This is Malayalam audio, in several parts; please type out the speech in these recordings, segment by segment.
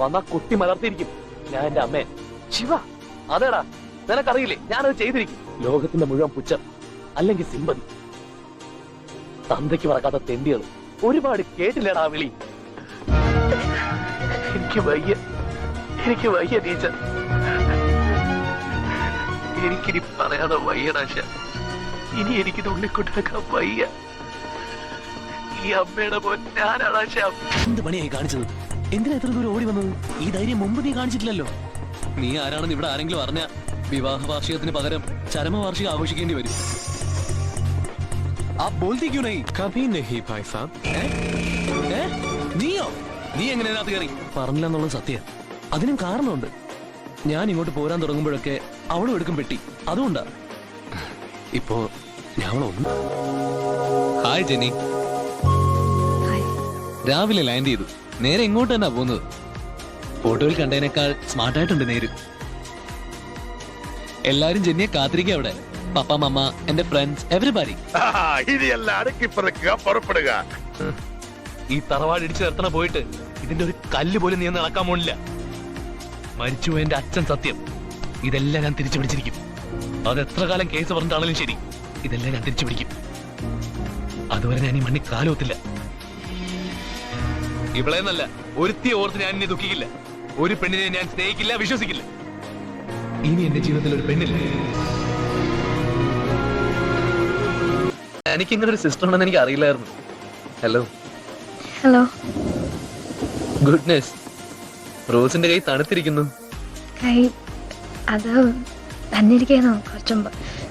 വന്നാ കുത്തി മലർത്തിയിരിക്കും ഞാൻ എന്റെ അമ്മേ. ശിവ, അതേടാ, നിനക്കറിയില്ലേ ഞാനത് ചെയ്തിരിക്കും. ലോകത്തിന്റെ മുഴുവൻ പുച്ഛം അല്ലെങ്കിൽ സിമ്പതി. തന്തയ്ക്ക് മറക്കാത്ത തെണ്ടികൾ ഒരുപാട് കേട്ടില്ലേടാ വിളി. എനിക്ക് വയ്യ ടീച്ചർ, എനിക്കിനി പറയാതെ വയ്യടാശ. ഇനി എനിക്കിത് ഉള്ളിക്കൊണ്ടിരിക്കാൻ വയ്യ. ഈ അമ്മയുടെ പൊന്നാനാശ. എന്ത് പണിയായി കാണിച്ചത്? എന്തിനാ എത്ര ദൂരം ഓടി വന്നത്? ഈ ധൈര്യം മുമ്പ് നീ കാണിച്ചിട്ടില്ലല്ലോ. നീ ആരാണെന്ന് ഇവിടെ ആരെങ്കിലും അറിഞ്ഞ വിവാഹ വാർഷികത്തിന് പകരം ചരമവാർഷികം ആഘോഷിക്കേണ്ടി വരും. നീയോ? നീ എങ്ങനെ അതിനകത്ത് കയറി? പറഞ്ഞില്ല എന്നുള്ളത് സത്യം. അതിനും കാരണമുണ്ട്. ഞാൻ ഇങ്ങോട്ട് പോരാൻ തുടങ്ങുമ്പോഴൊക്കെ അവളും എടുക്കും പെട്ടി. അതുകൊണ്ടാ ഇപ്പോ ഞാൻ ഒന്ന്. Hi Jenny. രാവിലെ ലാൻഡ് ചെയ്തു. നേരെ ഇങ്ങോട്ട് തന്നെ പോകുന്നത്. ഫോട്ടോയിൽ കണ്ടതിനേക്കാൾ സ്മാർട്ടായിട്ടുണ്ട് നേര്. എല്ലാരും ജെന്നിയെ കാത്തിരിക്കുക അവിടെ. പപ്പ, മമ്മ, എന്റെ ഫ്രണ്ട്സ്, എവരിബഡി. ഈ തറവാട് ഇടിച്ചു നിർത്തണ പോയിട്ട് ഇതിന്റെ ഒരു കല്ല് പോലും നീ നടക്കാൻ പോണില്ല. മരിച്ചു എന്റെ അച്ഛൻ സത്യം. ഇതെല്ലാം ഞാൻ തിരിച്ചു പിടിച്ചിരിക്കും. അത് എത്ര കാലം കേസ് പറഞ്ഞിട്ടാണെങ്കിലും ശരി, ഇതെല്ലാം ഞാൻ തിരിച്ചു പിടിക്കും. അതുവരെ ഞാൻ ഈ മണ്ണി കാലുവത്തില്ല. ഇവിടെ നല്ല ഒരുത്തി ഓർത്ത് ഞാൻ എന്നെ ദുഃഖിക്കില്ല. ഒരു പെണ്ണിനെ ഞാൻ സ്നേഹിക്കില്ല, വിശ്വസിക്കില്ല. ഇനി എന്റെ ജീവിതത്തിൽ ഒരു പെണ്ണില്ല. എനിക്കിങ്ങനെ ഒരു സിസ്റ്റർ ഉണ്ടെന്ന് എനിക്ക് അറിയില്ലായിരുന്നു. Hello hello. ഗുഡ്നെസ്, റോസിന്റെ കൈ തണുത്തിരിക്കുന്നു. കൈ അത് തന്നിരിക്കാനോ കുറച്ചുമ്പ്.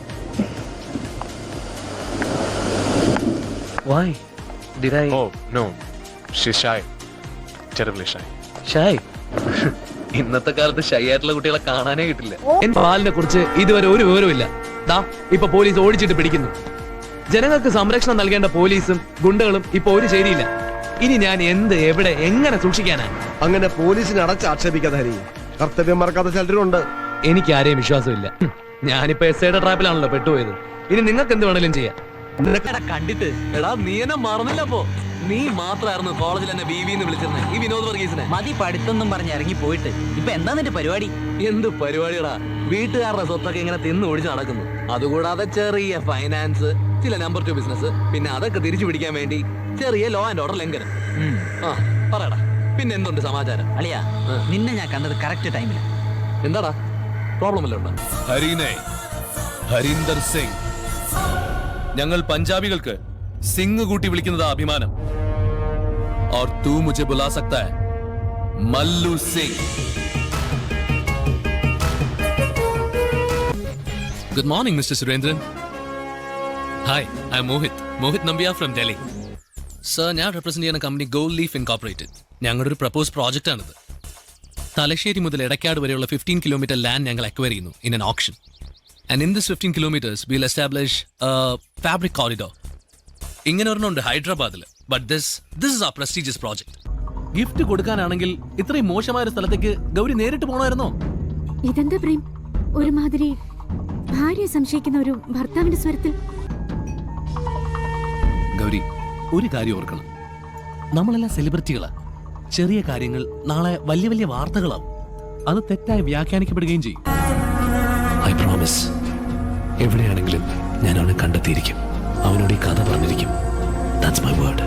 Why did I? Oh no, she's shy, terribly shy. ഷായ്. ഇന്നത്തെ കാലത്ത് ഷൈ ആയിട്ടുള്ള കുട്ടികളെ കാണാനേ കിട്ടില്ല. എൻ പാലിനെ കുറിച്ച് ഇതുവരെ ഒരു വിവരമില്ല. ദാ ഇപ്പൊ പോലീസ് ഓടിച്ചിട്ട് പിടിക്കുന്നു. ജനങ്ങൾക്ക് സംരക്ഷണം നൽകേണ്ട പോലീസും ഗുണ്ടകളും ഇപ്പൊ ഒരു ശരിയില്ല. ഇനി ഞാൻ എന്ത്, എവിടെ, എങ്ങനെ സൂക്ഷിക്കാനാ? അങ്ങനെ പോലീസിനെ അടച്ച് ആക്ഷേപിക്കാതെ ഹരി. കർത്തവ്യം മറക്കാത്ത ചിലരുണ്ട്. എനിക്ക് ആരെയും വിശ്വാസമില്ല. ഞാനിപ്പോ എസ്ഐയുടെ ട്രാപ്പിലാണല്ലോ പെട്ടുപോയത്. ഇനി നിങ്ങൾക്ക് എന്ത് വേണേലും ചെയ്യാം. കണ്ടിട്ട് എടാ നീ എന്നെ മറന്നില്ല. അപ്പോ നീ മാത്രമായിരുന്നു കോളേജിൽ എന്നെ ബീവിന്ന് വിളിച്ചിരുന്നേ, ഈ വിനോദ് വർഗീസിനെ. മതി പഠിത്തൊന്നും പറഞ്ഞ് ഇറങ്ങി പോയിട്ട്. ഇപ്പൊ എന്താ നിന്റെ പരിപാടി? എന്ത് പരിപാടിയടാ? വീട്ടുകാരുടെ സ്വത്തൊക്കെ ഇങ്ങനെ തിന്ന് ഒഴിച്ച് നടക്കുന്നു. അതുകൂടാതെ ചെറിയ ഫൈനാൻസ്, ചില നമ്പർ 2 ബിസിനസ്, പിന്നെ അതൊക്കെ തിരിച്ചു പിടിക്കാൻ വേണ്ടി ചെറിയ ലോ ആൻഡ് ഓർഡർ ലംഘനം. ആ പറയടാ, പിന്നെ എന്തുണ്ട് സമാചാരം? അളിയാ, നിന്നെ ഞാൻ കണ്ടത് കറക്റ്റ് ടൈമിൽ. എന്താടാ പ്രോബ്ലം അല്ല ഉണ്ടോ? ഹരീനെ, ഹരീന്ദർ സിംഗ്. ഞങ്ങൾ പഞ്ചാബികൾക്ക് സിംഗ് കൂട്ടി വിളിക്കുന്നത് അഭിമാനം. और तू मुझे बुला सकता है Mallu Singh. Good morning, Mr. Surendran. Hi, I'm Mohit Nambiar from Delhi. Sir, ഞാൻ റെപ്രസെന്റ് ചെയ്യുന്ന കമ്പനി ഗോൾഡ് ലീഫ് ഇൻകോർപ്പറേറ്റഡ്. ഞങ്ങളുടെ ഒരു പ്രപ്പോസ് പ്രോജക്റ്റ് ആണിത്. തലശ്ശേരി മുതൽ എടക്കാട് വരെയുള്ള 15 കിലോമീറ്റർ ലാൻഡ് ഞങ്ങൾ അക്വയർ ചെയ്യുന്നു in an auction. And in this 15 kilometers, we'll establish a fabric corridor. ഇങ്ങനെ ഒരെണ്ണമുണ്ട് ഹൈദരാബാദിൽ. But this is our prestigious project. Gift കൊടുക്കാനാണെങ്കിൽ ഇത്രയും മോശമായ ഒരു സ്ഥലത്തേക്ക് ഗൗരി നേരിട്ട് പോകണമായിരുന്നോ? ഇതെന്താ പ്രേം, ഒരുമാതിരി ഭാര്യയെ സംശയിക്കുന്ന ഒരു ഭർത്താവിന്റെ സ്വരത്തിൽ. ഗൗരി, ഒരു കാര്യം ഓർക്കണം, നമ്മളെല്ലാം സെലിബ്രിറ്റികളാ. ചെറിയ കാര്യങ്ങൾ നാളെ വലിയ വലിയ വാർത്തകളാവും. അത് തെറ്റായി വ്യാഖ്യാനിക്കപ്പെടുകയും ചെയ്യും. ഐ പ്രോമിസ്, എവിടെയാണെങ്കിലും ഞാൻ അവനെ കണ്ടെത്തിയിരിക്കും. അവനോട് ഈ കഥ പറഞ്ഞിരിക്കും. That's my word.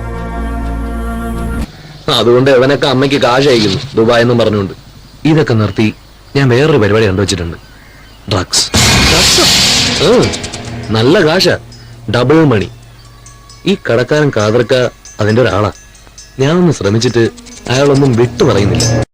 അതുകൊണ്ട് അവനൊക്കെ അമ്മയ്ക്ക് കാശ് അയക്കുന്നു ദുബായ് എന്നും പറഞ്ഞുകൊണ്ട്. ഇതൊക്കെ നിർത്തി ഞാൻ വേറൊരു പരിപാടി കണ്ടുവച്ചിട്ടുണ്ട്. ഡ്രഗ്സ്. നല്ല കാശാ, ഡബിൾ മണി. ഈ കടക്കാരൻ കാതർക്ക അതിന്റെ ഒരാളാ. ഞാനൊന്ന് ശ്രമിച്ചിട്ട് അയാളൊന്നും വിട്ടു പറയുന്നില്ല.